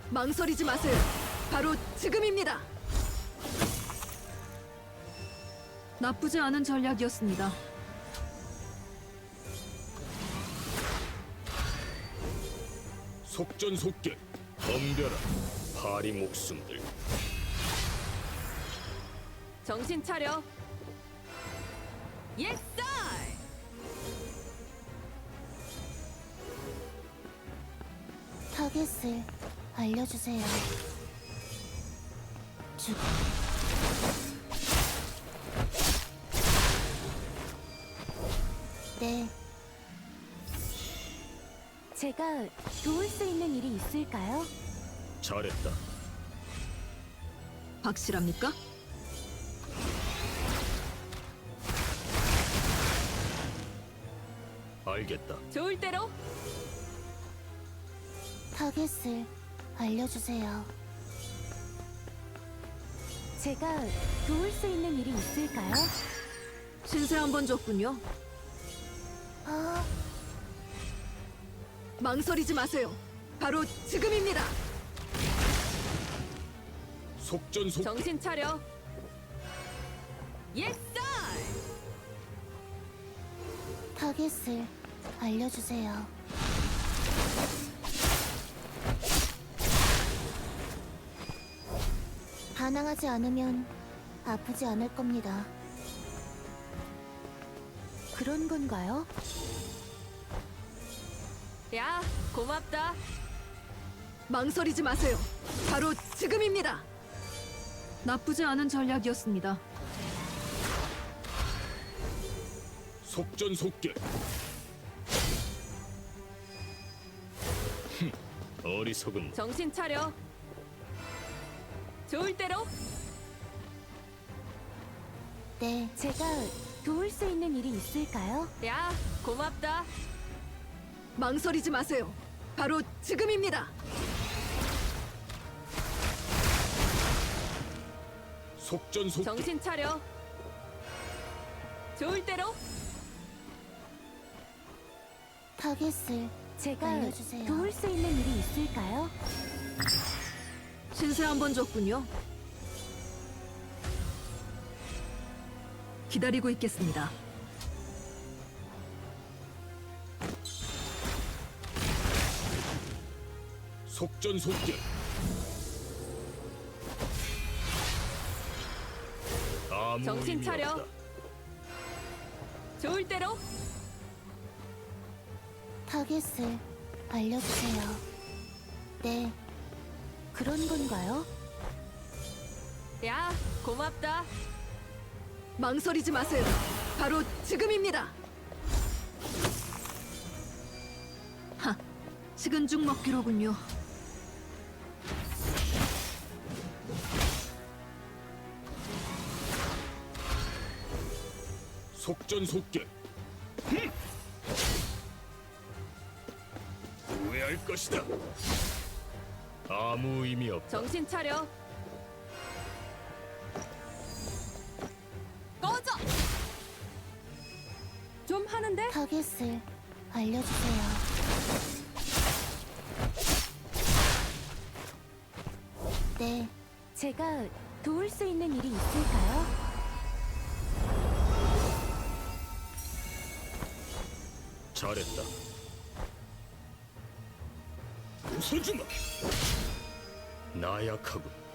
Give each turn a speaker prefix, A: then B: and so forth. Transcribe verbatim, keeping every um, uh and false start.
A: 망설이지 마세요. 바로 지금입니다. 나쁘지 않은 전략이었습니다.
B: 속전속결, 덤벼라, 파리 목숨들.
C: 정신 차려. 예스!
D: 타겟을 알려주세요. 죽. 네. 제가 도울 수 있는 일이 있을까요?
B: 잘했다.
A: 확실합니까?
B: 알겠다.
C: 좋을 대로.
D: 타겟을 알려주세요. 제가 도울 수 있는 일이 있을까요?
A: 신세 한 번 줬군요.
D: 아,
A: 망설이지 마세요. 바로 지금입니다.
B: 속전속결,
C: 정신 차려. 예스!
D: 타겟을 알려주세요. 반항하지 않으면 아프지 않을 겁니다. 그런 건가요?
C: 야, 고맙다.
A: 망설이지 마세요. 바로 지금입니다. 나쁘지 않은 전략이었습니다.
B: 속전속결. 흠, 어리석은
C: 정신 차려. 좋을 대로.
D: 네, 제가 도울 수 있는 일이 있을까요?
C: 야, 고맙다.
A: 망설이지 마세요. 바로 지금입니다.
B: 속전속결,
C: 정신 차려. 좋을 대로.
D: 타겟을 제가 알려주세요. 도울 수 있는 일이 있을까요?
A: 신세 한 번 줬군요. 기다리고 있겠습니다.
B: 속전속결. 아무
C: 정신
B: 의미
C: 차려.
B: 없다.
C: 좋을 대로.
D: 타겟을 알려주세요. 네, 그런 건가요?
C: 야, 고맙다.
A: 망설이지 마세요. 바로 지금입니다. 하, 식은 죽 먹기로군요.
B: 속전속결. 흠! 후회할 것이다. 아무 의미 없다.
C: 정신 차려. 꺼져. 좀 하는데?
D: 타겟을 알려주세요. 네, 제가 도울 수 있는 일이 있을까요?
B: 잘했다. 웃어주마. 나약하군.